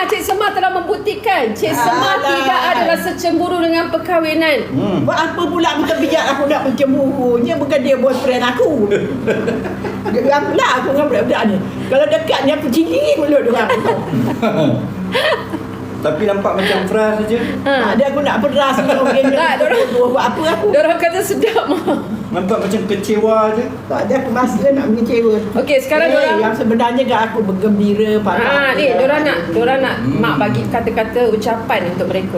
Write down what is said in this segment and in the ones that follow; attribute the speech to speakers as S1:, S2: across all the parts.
S1: Cik Semar telah membuktikan Cik Semar tidak ada rasa cemburu dengan perkahwinan.
S2: Buat apa pula aku terpijak aku nak mencemburunya, bukan dia boyfriend aku. Geram pula aku dengan budak-budak ni. Kalau dekat ni aku cili mulut dia orang.
S3: Tapi nampak macam frust saja.
S2: Ada aku nak peras ni.
S1: Tak,
S2: buat apa aku?
S1: Diorang kata sedap mah.
S3: Nampak macam kecewa je.
S2: Tak ada aku masa nak mengecewa.
S1: Okey, sekarang diorang
S2: yang sebenarnya kan aku bergembira pada.
S1: ni diorang nak mak bagi kata-kata ucapan untuk mereka.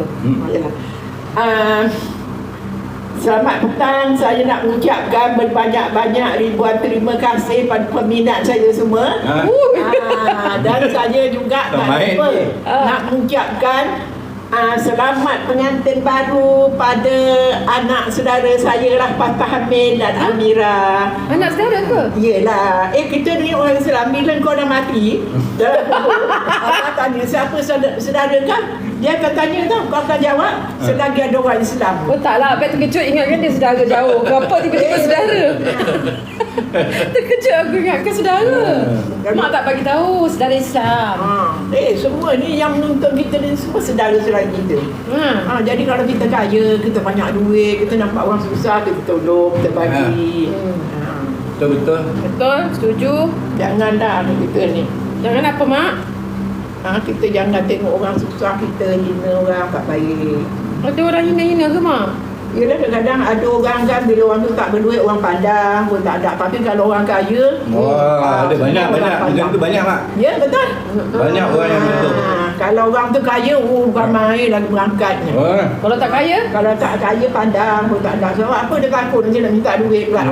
S2: Selamat petang, saya nak mengucapkan berbanyak-banyak ribuan terima kasih pada peminat saya semua. Dan saya juga tak lupa nak mengucapkan selamat pengantin baru pada anak saudara saya lah, Fatah Hamid dan Amira.
S1: Anak saudara ke?
S2: Yelah. Kita ni orang Islam, bila kau dah mati, Allah tanya siapa saudara kau? Dia akan tanya tau, kau akan jawab selagi ada orang Islam.
S1: Oh taklah, Abang terkejut ingatkan dia saudara jauh. Kenapa tiba-tiba saudara? Terkejut aku ingatkan saudara. Mak tak bagi tahu saudara Islam.
S2: Semua ni yang menonton kita ni semua saudara-saudara kita. Jadi kalau kita kaya, kita banyak duit, kita nampak orang susah, kita tolong, kita bagi.
S3: Betul-betul.
S1: Betul, setuju.
S2: Janganlah kita ni.
S1: Jangan apa mak?
S2: Kita jangan tengok orang susah, kita hina orang tak baik.
S1: Ada orang hina-hina ke mak?
S2: Yelah, kadang-kadang ada orang kan, bila orang tu tak berduit, orang pandang pun tak ada. Tapi kalau orang kaya,
S3: ada banyak macam tu banyak mak.
S2: Ya, betul.
S3: Banyak orang yang betul.
S2: Kalau orang tu kaya, ramai lagi berangkatnya.
S1: Kalau tak kaya?
S2: Kalau tak kaya, pandang pun tak ada. Sebab apa dia takut dia nak minta duit pula.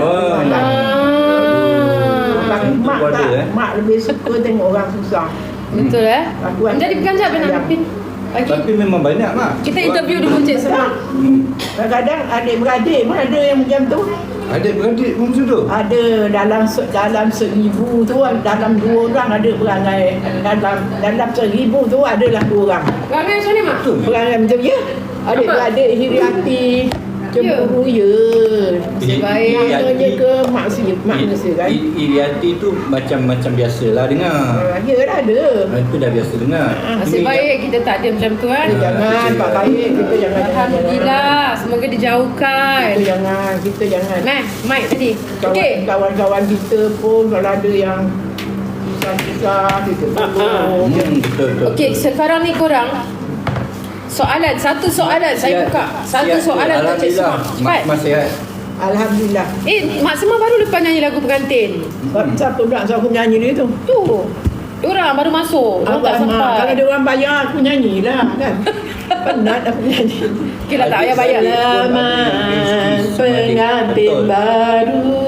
S2: Tapi mak lebih suka tengok orang susah.
S1: Betul Jadi peganjat benar Pin.
S3: Tapi memang banyak mak.
S1: Kita interview dulu Cik Semar.
S2: Kadang-kadang adik-beradik pun ada yang macam tu.
S3: Adik-beradik pun macam tu?
S2: Ada dalam 1,000 tu, dalam 2 orang ada perangai. Dalam 1,000 tu adalah 2 orang.
S1: Perangai macam ni mak?
S2: Perangai macam ya. Adik-beradik iri hati. Cemburu
S1: Nasib baik.
S2: Maknanya ke manusia kan.
S3: Iri hati tu macam biasalah dengar.
S2: Yalah ada.
S3: Itu dah biasa dengar.
S1: Nasib baik kita tak ada macam tu kan.
S2: Jangan Pak baik, kita jangan.
S1: Alhamdulillah, semoga dijauhkan.
S2: Kita jangan.
S1: Mike tadi. Okey.
S2: Kawan-kawan kita pun kalau ada yang susah-susah kita tolong.
S3: Betul.
S1: Okey, sekarang ni korang satu soalan saya buka. Satu soalan untuk Cik Semar. Cepat.
S3: Mas sihat.
S2: Alhamdulillah.
S1: Mak Semar baru lepas nyanyi lagu pengantin.
S2: Siapa pula aku nyanyi dia tu?
S1: Diorang baru masuk. Diorang tak sempat.
S2: Kalau dia orang bayar aku nyanyilah kan. Penat aku nyanyi.
S1: Okey lah, tak payah bayar.
S2: Selamat pengantin baru.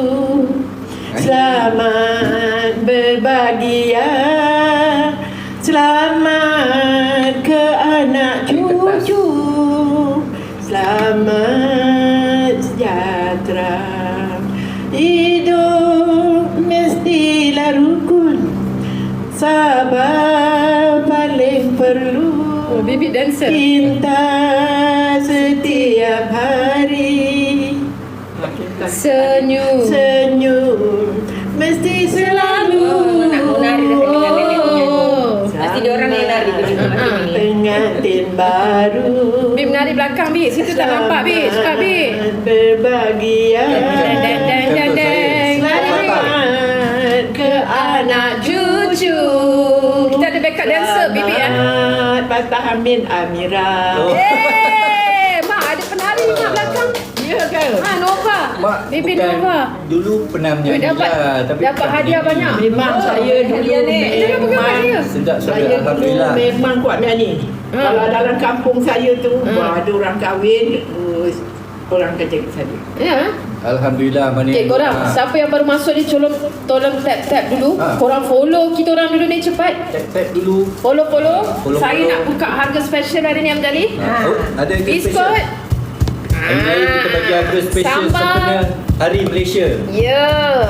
S2: Selamat berbahagia. Selamat ke anak cucu. Selamat sejahtera. Hidup mestilah rukun. Sabar paling perlu.
S1: Baby dancer.
S2: Cinta setiap hari.
S1: Senyum
S2: mesti selalu.
S1: Nak menari dah dengan nenek punya. Pasti dia orang yang nari.
S2: Pengantin baru.
S1: Bib menari belakang Bib. Situ tak nampak Bib. Cepat Bib.
S2: Berbahagia.
S1: Deng.
S2: Selamat ke anak cucu.
S1: Kita ada backup dancer Bibi ya.
S2: Fatah Hamid Amira.
S1: Mak ada penari mak belakang.
S2: Ya kan?
S1: Nova.
S3: Mak,
S1: Bibi
S3: bukan
S1: Nova.
S3: Dulu pernah menyanyi
S1: dapat hadiah banyak.
S2: Memang saya dulu
S3: sedap
S2: saya dulu memang kuat menyanyi. Kalau dalam kampung saya tu ada orang kahwin, orang kerja ke sana.
S1: Ya.
S3: Alhamdulillah mana.
S1: Okey korang, siapa yang baru masuk ni tolong tap dulu. Korang follow kita orang dulu ni cepat.
S3: Tap dulu.
S1: Follow. Saya nak buka harga special hari ni Amjali.
S3: Ada
S1: biskut.
S3: Hari ni kita bagi harga special sempena Hari Malaysia.
S1: Ya,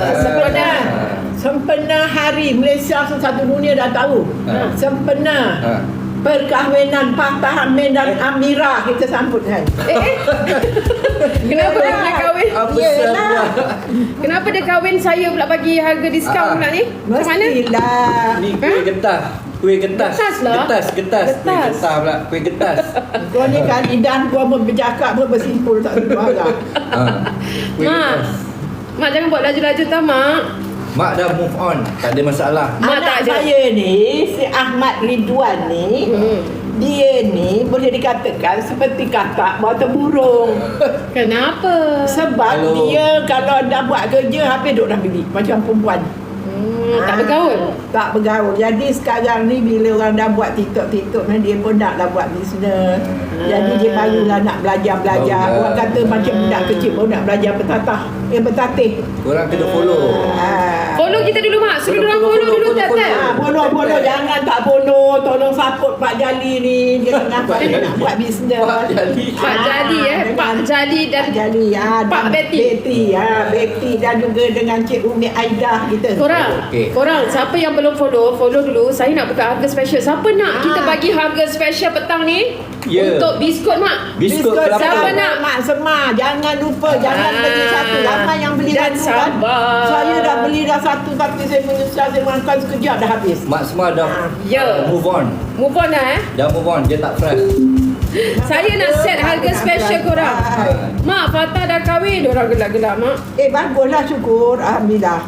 S2: Sempena Hari Malaysia satu dunia dah tahu. Sempena perkahwinan Fatah Hamid dan Amira kita sambut kan.
S1: Kenapa dia nak kahwin? Kenapa dia kahwin saya pula bagi harga diskaun pula ni? Macam mana?
S2: Mestilah.
S3: Ni kuih getah. Kuih getas.
S1: Getas lah.
S3: Getas. Kuih
S1: Getas.
S3: getas pula. Kuih getas.
S2: Kau ni kan lidah kau bercakap pun bersimpul tak tentu arah.
S3: Kuih
S1: Mak,
S3: getas.
S1: Mak jangan buat laju-laju tau Mak.
S3: Mak dah move on. Tak ada masalah.
S1: Mak
S2: Anak
S1: tak ada.
S2: saya ni, si Ahmad Ridwan ni, dia ni boleh dikatakan seperti kakak bawah burung.
S1: Kenapa?
S2: Sebab dia kalau dah buat kerja habis duduk dalam bilik macam perempuan.
S1: Tak bergaul.
S2: Tak bergaul. Jadi sekarang ni bila orang dah buat TikTok ni dia pun naklah buat bisnes. Jadi dia barulah nak belajar-belajar.
S3: Barulah.
S2: Orang kata macam budak kecil baru nak belajar bertatih.
S3: Korang kena follow.
S1: Follow kita dulu Mak. Suruh orang follow dulu
S3: follow.
S1: tap-tap.
S2: Follow jangan tak follow. Tolong support Pak Jali ni. Dia tengah nak buat bisnes.
S3: Pak Jali.
S1: Pak Jali Pak Jali dan
S2: Pak Jali
S1: Pak Betty.
S2: Betty dan juga dengan Cik Umi Aidah kita.
S1: Korang siapa yang belum follow dulu. Saya nak buka harga special. Siapa nak kita bagi harga special petang ni?
S3: Ya.
S1: Untuk biskut Mak.
S3: Biskut kelapa.
S1: Siapa nak?
S2: Mak Semar. Jangan lupa. Jangan beli satu. Ramai yang beli
S1: Dan
S2: satu kan.
S1: sabar.
S2: Saya dah beli dah satu. Tapi saya menyesal. Saya makan sekejap dah habis.
S3: Mak semua dah
S1: Ya.
S3: move on.
S1: Move on dah
S3: Dah move on. Dia tak fresh.
S1: Saya nak set harga special korang. Mak Fatah dah kahwin. Diorang gelak-gelak Mak.
S2: Baguslah syukur. Alhamdulillah.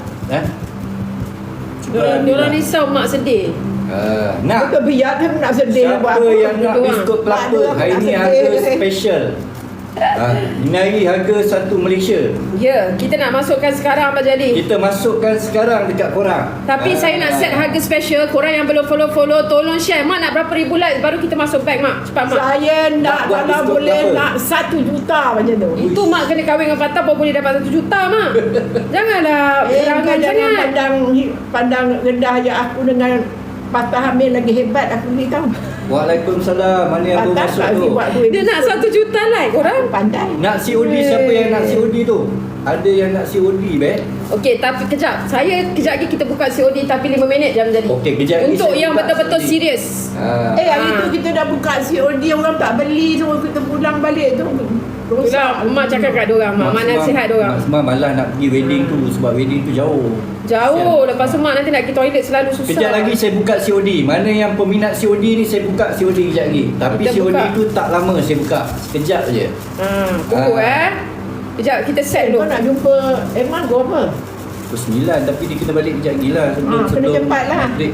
S1: Diorang risau Mak sedih.
S3: Nak
S2: Betul biar dia nak sedih.
S3: siapa yang nak
S1: Doang.
S3: biskut kelapa?
S2: Tak ada,
S3: Hari
S2: tak
S3: ni
S2: sedih
S3: harga
S2: dia.
S3: special. Ini hari harga satu Malaysia.
S1: Ya, kita nak masukkan sekarang Abang Jali.
S3: Kita masukkan sekarang dekat korang.
S1: Tapi saya nak set harga special. Korang yang belum follow, tolong share. Mak nak berapa ribu like baru kita masuk bag Mak. Cepat Mak.
S2: Saya nak
S3: Buat
S2: kalau
S3: diskon
S2: boleh
S3: berapa?
S2: nak 1 juta macam tu.
S1: Itu Mak kena kahwin dengan Fatah baru boleh dapat 1 juta Mak. Janganlah berangan
S2: Kau jangan
S1: sangat.
S2: pandang rendah je aku dengan patah hamil lagi hebat aku ni tahu.
S3: Waalaikumsalam. Mana yang
S2: Patah
S3: masuk
S2: tak
S3: tu?
S2: buat duit.
S1: Dia nak 1 juta like korang.
S2: Pandai.
S3: Nak COD, siapa yang nak COD tu? Ada yang nak COD, bet?
S1: Okey, tapi kejap. Kejap lagi kita buka COD tapi 5 minit je Abang Jali.
S3: Okey, kejap lagi
S1: Untuk
S3: saya
S1: yang
S3: buka
S1: betul-betul
S3: COD.
S1: serius.
S2: Hari tu kita dah buka COD orang tak beli semua kita pulang balik tu.
S1: Itulah Mak cakap kat diorang Mak. Mak nasihat diorang.
S3: Mak semua malah nak pergi wedding tu sebab wedding tu jauh.
S1: Jauh. Lepas tu Mak nanti nak pergi toilet selalu susah.
S3: Kejap lagi saya buka COD. Mana yang peminat COD ni saya buka COD kejap lagi. Tapi
S1: Kita
S3: COD
S1: buka.
S3: tu tak lama saya buka. Sekejap je.
S1: Tunggu Kejap kita set
S2: Kau
S1: dulu.
S2: nak jumpa Emma kau apa?
S3: Pukul 9 tapi dia kena balik kejap lagi lah.
S2: Kena cepat lah.
S3: break.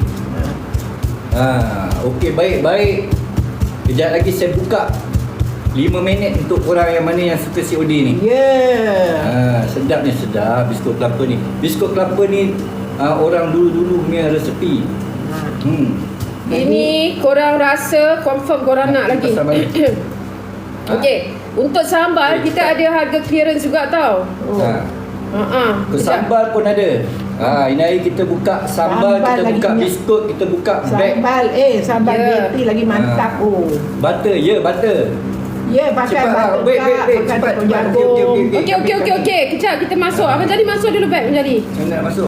S3: Okey, baik. Kejap lagi saya buka 5 minit untuk korang yang mana yang suka COD ni.
S2: Ya.
S3: Sedap biskut kelapa ni. Biskut kelapa ni orang dulu-dulu punya resepi.
S1: Ini korang rasa confirm korang nak lagi.
S3: Pasal balik.
S1: Okey, untuk sambal
S3: Okey,
S1: kita ada harga clearance juga tau.
S3: Ke sambal pun ada. Ini hari kita buka sambal,
S2: Sambal
S3: kita
S2: lagi
S3: buka
S2: punya.
S3: biskut, kita buka bag.
S2: Sambal
S1: Ya.
S2: Betty lagi mantap.
S3: Butter, butter.
S2: Ya, pakai
S3: Cepat,
S2: butter
S3: wait,
S2: kak, pakai
S3: cepat.
S2: tepung
S3: Okey,
S2: jagung.
S1: Okey. Kejap kita masuk. Abang Jali masuk dulu bag Abang Jali.
S3: Saya nak masuk.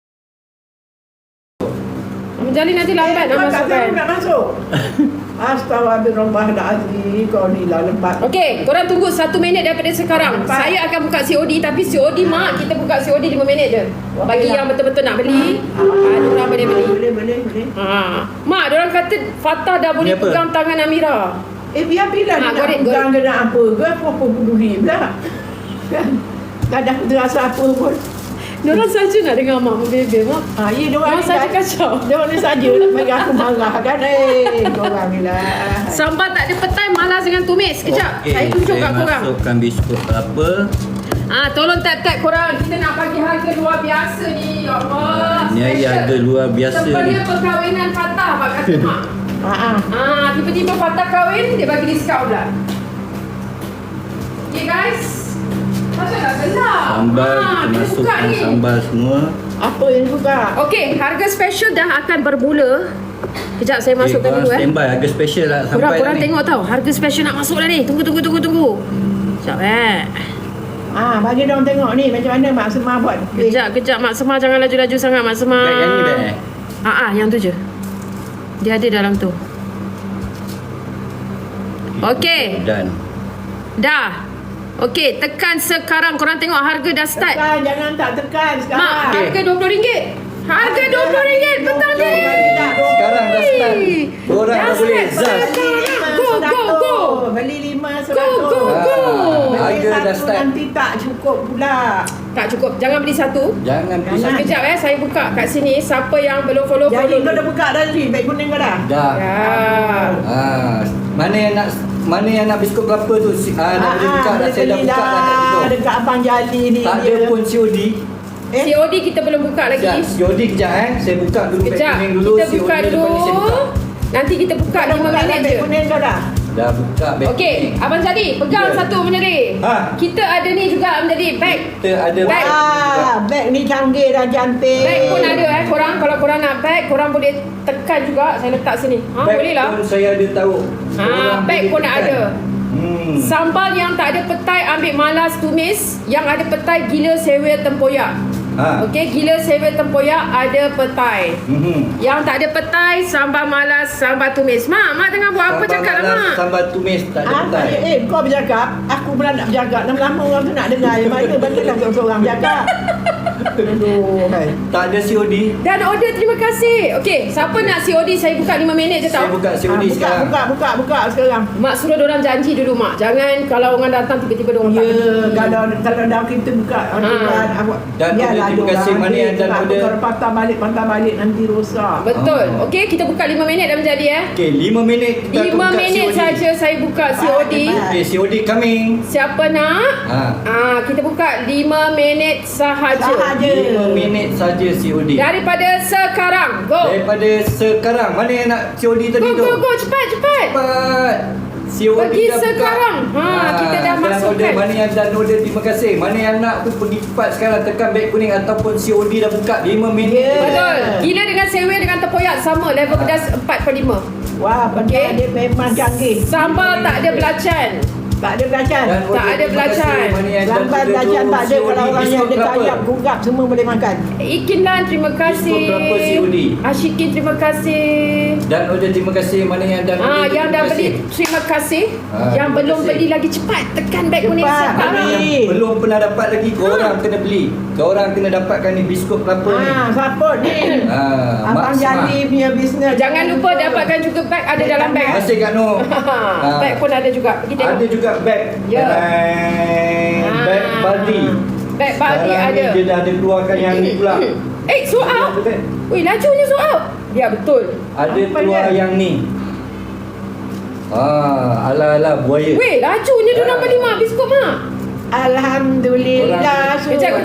S1: Abang Jali nanti lambat nak
S2: Kau tak
S1: masukkan.
S2: tahu nak masuk. Astaghfirullahaladzim. Kau ni lah lembat.
S1: Okey, korang tunggu 1 minit daripada sekarang.
S2: Cepat.
S1: Saya akan buka COD tapi COD Mak kita buka COD 5 minit je. Bagi
S2: Okey
S1: yang
S2: lah.
S1: betul-betul nak beli, diorang boleh beli.
S2: Boleh.
S1: Mak, diorang kata Fatah dah boleh
S3: Ni apa?
S1: pegang tangan Amira.
S2: Biar dia nak
S1: goreng.
S2: pegang ke nak apa ke. Apa peduli pula. Kan? Tak ada terasa apa pun.
S1: Diorang saja nak dengar Mak membebel Mak.
S2: Ya,
S1: Diorang saja kacau.
S2: Diorang ni saja nak bagi aku marah kan. Diorang ni lah.
S1: Sambal tak ada petai, malas dengan tumis. Sekejap,
S3: Okey,
S1: saya tunjuk kat korang.
S3: masukkan biskut kelapa.
S1: Tolong tap-tap korang. Kita nak bagi harga luar biasa ni. Ya Allah.
S3: Ni hari
S1: Special.
S3: harga luar biasa ni.
S1: Sebenarnya perkahwinan Fatah Mak kata Mak. Tiba-tiba Fatah kahwin, dia bagi diskaun pula. Okay guys. Macam tak gelap.
S3: Sambal, kita
S1: kita buka
S3: masukkan
S1: ni.
S3: sambal semua.
S2: Apa yang suka?
S1: Okey, harga special dah akan bermula. Kejap saya masukkan
S3: korang
S1: dulu
S3: standby, harga special lah sampai
S1: Korang
S3: dah ni.
S1: tengok tau, harga special nak masuk dah ni. Tunggu. Sekejap
S2: Bagi diorang tengok ni macam mana Mak Semar buat.
S1: Kejap Mak Semar jangan laju-laju sangat Mak Semar.
S3: Bag yang ni bag
S1: yang tu je. Dia ada dalam tu. Okey,
S3: Dan
S1: dah. Okey, tekan sekarang. Korang tengok harga dah start.
S2: Tekan, jangan tak tekan sekarang.
S1: Mak,
S3: Okey.
S1: harga RM20. Harga RM20 petang ni.
S3: Sekarang dah start. Korang dah boleh zas.
S1: Go.
S2: Beli 5
S1: Go.
S2: Beli
S3: Harga dah
S2: satu
S3: start.
S2: nanti tak cukup pula.
S1: Tak cukup. Jangan beli satu.
S3: Jangan beli satu.
S1: Sekejap saya buka kat sini. Siapa yang belum follow
S2: Jadi kau dah
S1: dulu.
S2: buka dah ni, beg kuning kau dah?
S3: Dah.
S1: Ya.
S3: Mana yang nak biskut kelapa tu? Nak boleh buka dah. Saya dah buka dah kat situ.
S2: Dekat Abang Jali ni
S3: Tak ada pun COD.
S1: COD kita belum buka lagi.
S3: Sekejap, COD kejap Saya buka dulu beg
S1: Kejap.
S3: kuning dulu.
S1: Kita buka
S3: COD
S1: dulu.
S3: lepas ni saya buka.
S1: Nanti kita buka
S2: Kau dah
S1: 5
S2: buka dah
S1: minit
S2: beg
S1: je.
S2: kuning kau dah?
S3: Dah buka beg
S1: Okey,
S3: kuning.
S1: Abang Jadi, pegang
S3: Ya.
S1: satu menjadi.
S3: Ha.
S1: Kita ada ni juga menjadi bag.
S3: Kita ada
S1: Beg.
S2: Beg ni canggih dah, cantik.
S1: Bag pun ada korang. Kalau korang nak bag, korang boleh tekan juga. Saya letak sini.
S3: Beg
S1: Boleh lah.
S3: pun saya ada tahu.
S1: Bag pun nak ada. Sambal yang tak ada petai ambil malas tumis. Yang ada petai gila sewa tempoyak. Okey, gila sewa tempoyak ada petai. Yang tak ada petai sambal malas, sambal tumis. Mak tengah buat apa cakap lah mak?
S3: Sambal tumis tak ada petai.
S2: Kau bercakap, aku pula nak bercakap. Lama-lama orang tu nak dengar. Yang mana bagilah seorang bercakap. Aduh.
S3: Tak ada COD.
S1: Dan order, terima kasih. Okey, siapa nak COD saya buka 5 minit je
S3: Saya
S1: tau.
S3: buka COD sekarang.
S2: Buka sekarang.
S1: Mak suruh diorang janji dulu mak. Jangan kalau orang datang tiba-tiba diorang tak.
S2: Ya, kalau dah kita buka
S3: Dan terima kasih mana yang dan order.
S2: Kalau patah balik nanti rosak.
S1: Betul. Okey, kita buka 5 minit dah menjadi
S3: Okey, 5 minit kita
S1: 5
S3: buka
S1: minit
S3: COD.
S1: saja saya buka COD.
S3: Okey, COD coming.
S1: Siapa nak? Kita buka 5 minit sahaja.
S3: 5 minit saja COD.
S1: Daripada sekarang. Go.
S3: Daripada sekarang. Mana yang nak COD tadi tu?
S1: Go. Cepat.
S3: Cepat. COD
S1: Pergi
S3: dah buka.
S1: sekarang. Kita dah
S3: sekarang
S1: masukkan.
S3: order. Mana yang dah order, terima kasih. Mana yang nak tu pergi cepat sekarang, tekan beg kuning ataupun COD dah buka 5 minit.
S1: Betul. Gila dengan sewa dengan tempoyak sama. Level pedas 4/5.
S2: Wah,
S1: Okey.
S2: dia memang canggih.
S1: Sambal tak ada belacan.
S2: Tak ada belacan.
S3: Dan
S1: Tak
S3: order,
S1: ada
S3: terima
S1: belacan.
S3: kasih. Mana yang dah
S2: Sambal
S3: order
S2: belacan
S3: tu,
S2: tak ada.
S3: COD
S2: Kalau orang yang
S3: biskut
S2: ada
S3: kelapa.
S2: kayap, gugap semua boleh makan.
S1: Ikinlan, terima kasih.
S3: Biskut kelapa COD.
S1: Ashikin, terima kasih.
S3: Dan order, terima kasih. Mana yang dah order,
S1: Yang dah
S3: terima
S1: beli,
S3: kasih.
S1: terima kasih. Yang
S3: terima
S1: belum
S3: kasih.
S1: beli lagi cepat tekan beg kuning
S2: Cepat.
S1: sekarang.
S3: Mana yang belum pernah dapat lagi, korang kena beli. Korang kena dapatkan ni biskut kelapa ni.
S2: Support ni. Abang
S3: Mak Smart.
S2: Jadi punya bisnes.
S1: Jangan lupa dapatkan juga beg ada dalam beg.
S3: Terima kasih Kak Noh.
S1: Beg pun ada juga. Pergi tengok.
S3: Ada juga beg.
S1: Ya.
S3: Beg Baldi.
S1: Beg Baldi
S3: Sekarang
S1: ada.
S3: ni dia dah ada keluarkan yang ni pula.
S1: sold out. Wih, lajunya sold out. Ya, betul.
S3: Ada
S2: Apa
S3: keluar
S2: dia?
S3: yang ni. Ala-ala buaya.
S1: Weh, lajunya dia nak beli mak biskut mak.
S2: Alhamdulillah.
S1: Kejap.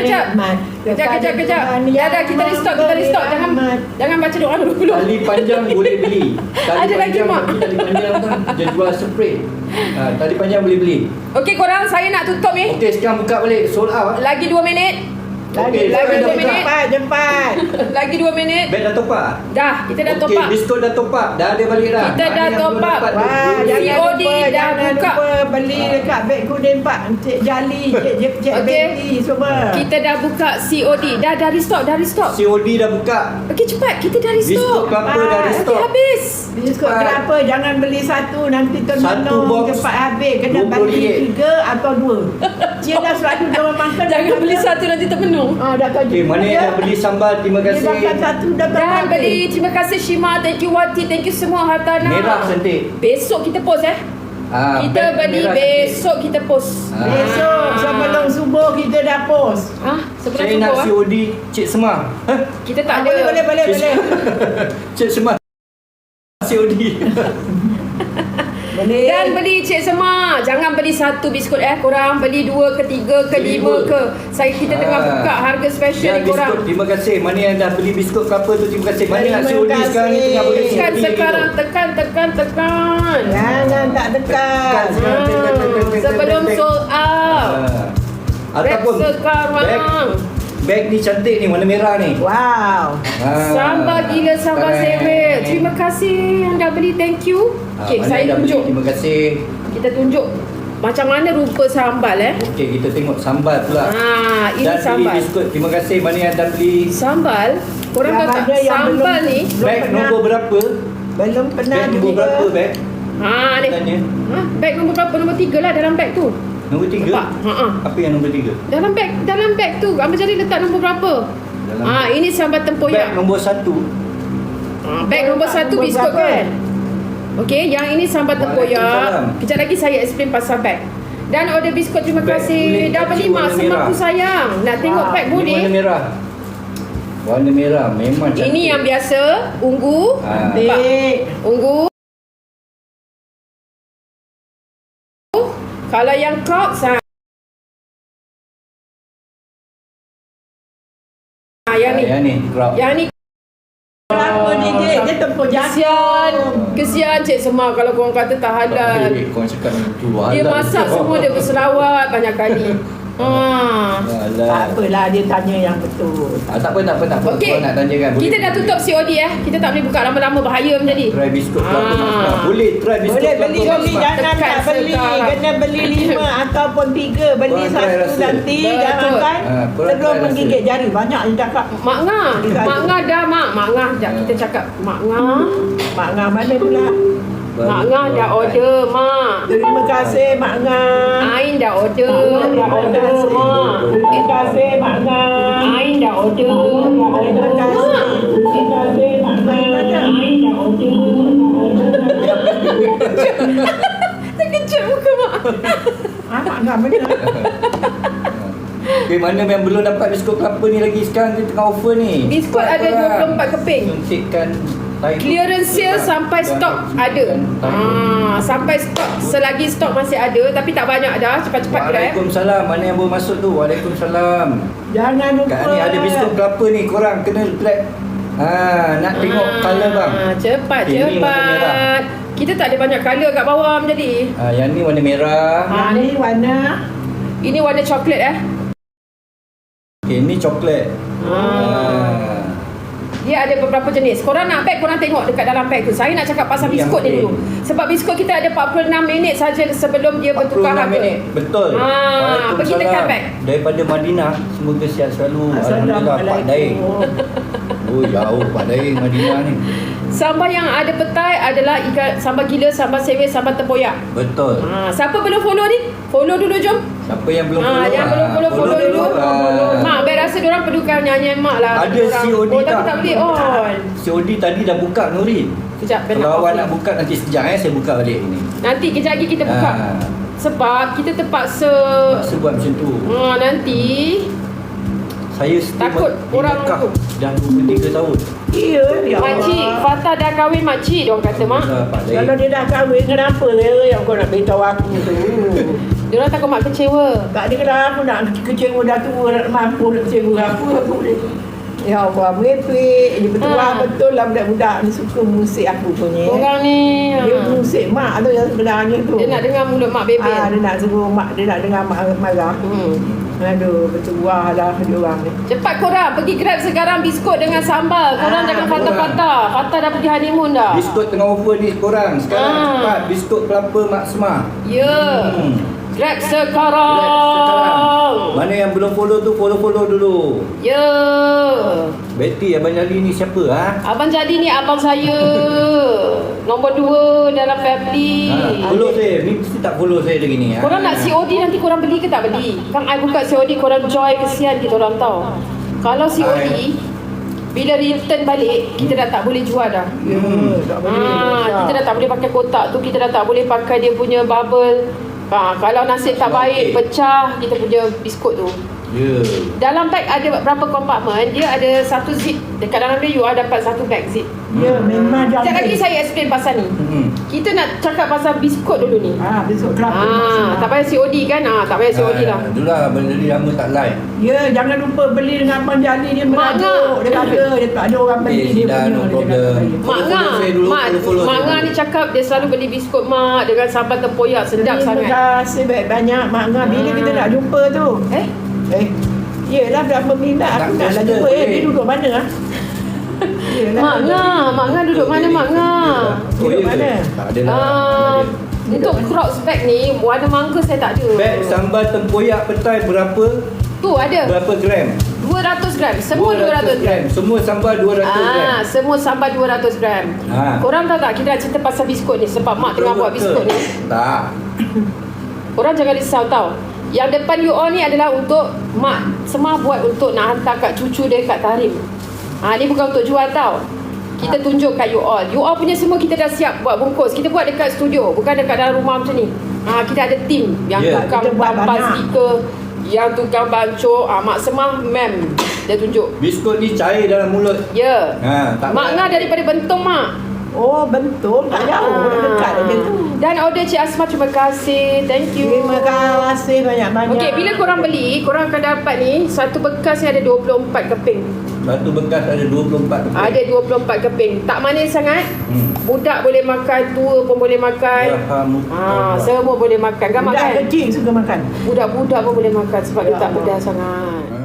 S1: Ya dah, kita restock. Jangan baca doa dulu.
S3: Tali panjang boleh beli.
S1: Ada lagi, Mak.
S3: Tali panjang kan dia jual spray. Tali panjang boleh beli.
S1: Okey korang, saya nak tutup ni.
S3: Okey, sekarang buka balik. Sold out.
S1: Lagi 2 minit.
S3: Okey,
S1: lagi
S3: dah
S1: 2
S3: buka.
S1: minit.
S2: Cepat.
S1: Lagi 2 minit.
S3: Beg dah top up?
S1: Dah, kita dah top
S3: Okey,
S1: up.
S3: biskut dah top up. Dah ada balik dah.
S1: Kita dah
S3: Mana yang
S1: top
S3: belum
S1: up.
S3: dapat tu?
S2: Wah,
S1: COD dah
S2: jangan
S1: buka.
S2: lupa beli dekat beg kuning Pak. Cik Jali, Cik
S1: Okey.
S2: Betty semua.
S1: Kita dah buka COD. Dah restock.
S3: COD dah buka.
S1: Okey cepat, kita dah
S3: Biskut
S1: restock.
S3: kelapa dah
S2: Cepat.
S3: restock.
S1: Okey habis.
S2: Biskut
S3: Cepat.
S2: kenapa? Jangan beli satu, nanti
S3: Satu
S2: termenung
S3: box
S2: cepat habis. Kena
S3: RM20.
S2: beli 3 atau 2. Cik dah selalu dia makan.
S1: Jangan beli satu nanti termenung.
S2: Dah tahu.
S3: Okey, mana yang dah beli sambal, terima
S2: Dia
S3: kasih.
S2: makan satu dah
S1: Dah beli. Terima kasih Shima. Thank you Wati. Thank you semua Hartana.
S3: Merah cantik.
S1: Besok kita post kita
S3: beg
S1: beli
S3: merah
S1: besok kita post.
S2: Besok sebelum subuh kita dah post.
S1: Sebelum
S3: Saya nak
S1: subuh
S3: COD Cik Semar.
S1: kita tak ada.
S2: Boleh.
S3: Cik Semar. COD.
S2: Boleh.
S1: Dan beli Cik Semar. Jangan beli satu biskut korang beli 2 ke 3 ke 5 ke. Kita tengah buka harga special
S3: Dan
S1: ni korang.
S3: biskut, terima kasih. Mana yang dah beli biskut kelapa tu, terima kasih. Mana nak
S2: Terima
S3: COD sekarang ni, tengah boleh
S1: Tekan
S3: COD
S1: sekarang,
S3: gitu.
S1: tekan.
S2: Jangan tak dekat.
S1: Sebelum sold out.
S3: Ataupun
S1: sekarang.
S3: beg ni cantik ni, warna merah ni.
S2: Wow.
S1: Sambal gila, sambal sewe. Terima kasih yang dah beli, thank you. Okay,
S3: Mana
S1: saya
S3: yang dah beli,
S1: tunjuk.
S3: terima kasih.
S1: Kita tunjuk macam mana rupa sambal
S3: Okey, kita tengok sambal pula.
S1: ini
S3: Dan
S1: sambal.
S3: beli biskut, terima kasih. Mana yang dah beli
S1: Sambal, korang
S2: Yang
S1: tahu tak
S2: ada yang
S1: sambal
S2: belum-
S1: ni?
S3: beg
S2: pernah.
S3: nombor berapa?
S2: Belum pernah
S3: Beg nombor
S2: juga.
S3: berapa beg?
S1: Ni.
S3: Tanya.
S1: Beg nombor berapa? Nombor 3 lah dalam beg tu.
S3: Nombor 3?
S1: Nampak?
S3: Apa yang nombor 3?
S1: Dalam beg tu. Abang jadi letak nombor berapa? Ini sambal
S3: Beg
S1: tempoyak.
S3: nombor 1.
S1: Beg nombor 1 biskut kan. Okey, yang ini sambal tempoyak.
S3: Waalaikumsalam.
S1: Kejap lagi saya explain pasal beg. Dan order biskut, terima
S3: Beg
S1: kasih.
S3: kulit
S1: Dah beli
S3: kacang
S1: mak,
S3: warna
S1: semaku
S3: merah.
S1: sayang. Nak tengok beg
S3: Ini warna
S1: boleh.
S3: merah. Warna merah memang cantik.
S1: Ini yang biasa, ungu.
S2: Dek.
S1: Ungu. Kalau yang kau yang ni.
S3: Yang ni crowd.
S1: Yang ni
S2: Kenapa ni Dek? Dia tempur
S1: kesian.
S2: jantung.
S1: Kesian Cik Semar kalau korang kata tak halal.
S3: Kau cakap itu
S1: Dia
S3: halal.
S1: masak semua dia berselawat banyak kali.
S3: Halal.
S2: Tak apalah, dia tanya yang betul.
S3: Tak apa.
S1: Okey.
S3: Kau nak tanya kan?
S1: Kita dah tutup COD Kita tak boleh buka lama-lama, bahaya menjadi.
S3: Try biskut kelapa
S1: Ah.
S3: Mas Mak. Boleh try biskut
S2: Boleh
S3: kelapa
S2: beli,
S3: Mas Mak.
S2: jangan
S1: Tekan
S2: tak beli.
S1: sekarang.
S2: Kena beli 5 ataupun 3. Beli
S3: Korang try
S2: 1
S3: rasa.
S2: nanti.
S1: Betul.
S2: Jangan kan.
S3: Korang
S2: Sebelum
S3: try rasa.
S2: menggigit jari. Banyak ni cakap.
S1: Mak Ngah. Mak Ngah dah Mak. Mak Ngah sekejap kita cakap. Mak Ngah.
S2: Mak Ngah mana pula?
S1: Mak Ngah dah order Mak.
S2: Terima kasih Mak Ngah.
S1: Ain dah order. Dah order Mak.
S2: Terima kasih Mak Ngah.
S1: Ain dah order.
S2: Terima kasih. Terima kasih Mak Ngah.
S1: Ain dah order. Terkejut muka Mak.
S2: Mak Ngah mana?
S3: Okay, mana yang belum dapat biskut kelapa ni lagi? Sekarang dia tengah offer ni.
S1: Biskut
S3: Cepat
S1: ada
S3: korang.
S1: 24 keping.
S3: Suntikkan tahi
S1: Clearance sale sampai stok ada. Sampai stok, selagi stok masih ada tapi tak banyak dah. Cepat-cepat grab.
S3: Waalaikumsalam. Mana yang baru masuk tu? Waalaikumsalam.
S2: Jangan lupa.
S3: Kat ni ada biskut kelapa ni. Korang kena grab. Nak tengok colour bang.
S1: Cepat,
S3: Ini warna merah.
S1: cepat. Kita tak ada banyak colour kat bawah menjadi.
S3: Yang ni warna merah.
S2: Yang ni warna.
S1: Ini warna coklat
S3: Okay, ni coklat.
S1: Dia ada beberapa jenis. Korang nak beg, korang tengok dekat dalam beg tu. Saya nak cakap pasal
S3: Ini yang
S1: biskut ni
S3: plain.
S1: dulu. Sebab biskut kita ada 46 minit saja sebelum dia bertukar
S3: 46
S1: harga.
S3: minit. Betul.
S1: Pergi tekan beg.
S3: Daripada Madinah. Semoga sihat selalu. Alhamdulillah Pak Daeng. Oh jauh Pak Daeng Madinah ni.
S1: Sambal yang ada petai adalah ikan sambal gila, sambal sewe, sambal tempoyak.
S3: Betul.
S1: Siapa belum follow ni? Follow dulu jom.
S3: Siapa yang belum follow?
S1: Yang belum follow dulu.
S3: Ah.
S1: Mak, Mek rasa diorang perlukan nyanyian Mak lah.
S3: Ada COD
S1: tapi
S3: tak?
S1: tak boleh on.
S3: COD tadi dah buka Nurin.
S1: Kejap,
S3: Kalau awak
S1: off
S3: nak
S1: ni.
S3: buka nanti sekejap saya buka balik ni.
S1: Nanti kejap lagi kita buka. Sebab kita terpaksa
S3: Paksa buat macam tu.
S1: nanti
S3: Saya stay
S1: Takut
S3: di
S1: orang
S3: Mekah
S1: tu.
S3: dah 23 tahun.
S2: Ya, ya
S1: makcik
S2: Allah.
S1: Fatah dah kahwin makcik diorang kata Mak.
S3: Pak Daeng.
S2: Kalau dia dah kahwin, kenapa yang kau nak beritahu aku tu?
S1: Diorang takut Mak kecewa.
S2: Tak ada kenapa aku nak kecewa dah tua, nak mampu nak kecewa aku boleh. Ya Allah, merepek. Dia betul lah budak-budak ni suka musik aku punya.
S1: Orang ni
S2: Dia musik mak tu yang sebenarnya tu.
S1: dia nak dengar mulut Mak bebel.
S2: Dia nak suruh mak, dia nak dengar mak marah. Aduh, bertuah lah dia orang ni.
S1: Cepat korang pergi grab sekarang biskut dengan sambal. Korang jangan patah-patah. Fatah dah pergi honeymoon dah.
S3: Biskut tengah offer ni korang. Sekarang cepat biskut kelapa Mak Semar.
S1: Ya. Grab sekarang.
S3: Mana yang belum follow tu follow dulu.
S1: Ya.
S3: Betty Abang Jali ni siapa
S1: Abang Jadi ni abang saya. Nombor 2 dalam family.
S3: Follow saya. Ni mesti tak follow saya lagi ni.
S1: Korang nak COD nanti korang beli ke tak beli? Kan I buka COD korang joy kesian kita orang tahu. Kalau COD bila return balik kita dah tak boleh jual dah.
S2: Ya, tak boleh.
S1: Kita dah tak boleh pakai kotak tu, kita dah tak boleh pakai dia punya bubble. Kalau nasib tak baik pecah kita punya biskut tu.
S3: Ya.
S1: Dalam beg ada berapa kompartmen, dia ada satu zip. Dekat dalam dia you ada dapat satu bag zip.
S2: Ya, memang
S1: Sekejap
S2: jangan.
S1: lagi saya explain pasal ni. Kita nak cakap pasal biskut dulu ni.
S2: Besok kelapa.
S1: Tak payah COD kan? Tak payah COD lah.
S3: Dulu lah Abang Jali lama tak live.
S2: Ya, jangan lupa beli dengan Abang Jali. Dia merajuk. Dia kata dia tak ada orang beli dia
S3: dah,
S2: punya.
S3: no
S2: Dia
S3: problem.
S2: kata,
S1: Mak
S3: Follow
S1: Ngah,
S3: saya dulu, follow
S1: Mak
S3: saya
S1: Ngah
S3: dulu.
S1: ni cakap dia selalu beli biskut Mak dengan sambal tempoyak sedap sangat.
S2: Terima kasih banyak Mak Ngah. Bila kita nak jumpa tu? Yelah, berapa minat aku
S3: Nak
S2: nak
S3: tester,
S2: jumpa.
S3: boleh.
S2: Dia duduk mana? Yelah.
S1: Mak Ngah duduk mana Mak Ngah?
S2: Duduk mana?
S3: Tak ada lah.
S1: Untuk Crocs bag ni warna mangga saya tak ada.
S3: Beg sambal tempoyak petai berapa?
S1: Tu ada
S3: Berapa gram?
S1: 200 gram. Semua 200 gram.
S3: Semua sambal 200 gram.
S1: Semua sambal 200 gram. Korang tahu tak kita nak cerita pasal biskut ni sebab Mak tengah buat biskut ni.
S3: Tak.
S1: Korang jangan risau tau. Yang depan you all ni adalah untuk mak Semah buat untuk nak hantar kat cucu dia kat Tarim. Ni bukan untuk jual tau. Kita tunjuk kat you all. You all punya semua kita dah siap buat bungkus. Kita buat dekat studio, bukan dekat dalam rumah macam ni. Kita ada team yang tukang bampas stiker, yang tukang bancuh. Mak Semah mem dia tunjuk.
S3: Biskut ni cair dalam mulut.
S1: Ya.
S3: Tak
S1: Mak Ngah daripada Bentong mak.
S2: Oh betul, tak jauh, dekat aja tu.
S1: Dan order Cik Asma, terima kasih. Thank you.
S2: Terima kasih banyak-banyak.
S1: Okey, bila korang beli, korang akan dapat ni satu bekas ni ada 24 keping.
S3: Satu bekas ada 24 keping.
S1: Ada 24 keping. Tak manis sangat. Budak boleh makan, tua pun boleh makan. Semua boleh makan. Kan
S2: Budak
S1: makan?
S2: kecil suka makan.
S1: Budak-budak pun boleh makan sebab dia tak pedas sangat.